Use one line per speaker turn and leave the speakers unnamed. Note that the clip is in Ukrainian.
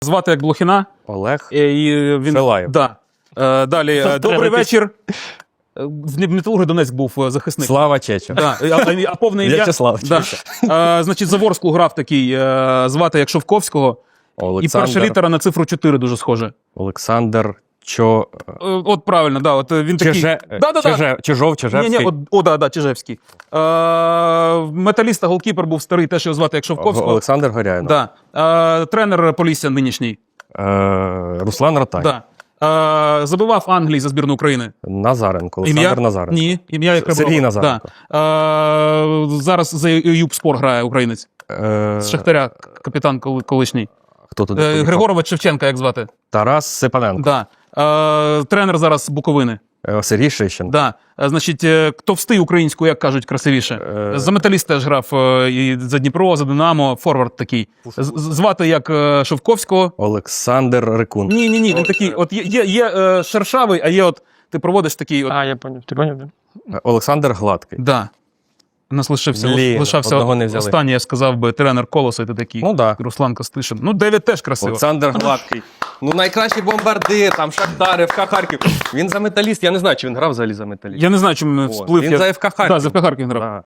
Звати як Блохіна.
Олег
І він...
Шилаєв.
Да. Далі. Добрий вечір. В Металургії Донецьк був захисник.
Слава Чечо.
Да. А повне ім'я?
В'ячеслав
Да.
Чечо.
Значить, Заворску грав такий, звати як Шовковського. І перша літера на цифру 4 дуже схоже.
Олександр
От правильно, да. От він такий...
Чижов, Чижевський.
Да, Чижевський. Металіста голкіпер був старий, теж його звати як Шовковського.
Олександр Горяйнов.
Да. Тренер Полісся нинішній.
Руслан Ротай.
Да. Забивав Англії за збірну України.
Назаренко. Олександр Назаренко.
Ні, ім'я як
Сергій Назаренко.
Да. Зараз за Юбспор грає українець. З Шахтаря, капітан колишній.
Хто тут?
Григорович Шевченка, як звати?
Тарас Сипаненко.
Да. Тренер зараз Буковини.
Сергій Шищин.
Да. Значить, товстий українською, як кажуть, красивіше. За Металіст теж грав і за Дніпро, за Динамо, форвард такий. Звати як Шовковського.
Олександр Рикун.
Ні, він такий, от є шершавий, а є от, ти проводиш такий от.
Я поняв. Ти поняв?
Олександр Гладкий.
Да. У нас лишився
одного не взяли.
останній, я сказав би, тренер Колоса, і ти такий.
Ну да.
Руслан Костишин. Ну, Девід теж красиво.
Олександр Гладкий. Ну, найкращий бомбардир, там Шахтар, ФК Харків. Він за Металіст, я не знаю, чи він грав взагалі за Металіст.
Я не знаю, чому він сплив.
Він за ФК Харків.
Да, за ФК Харків грав.
Да.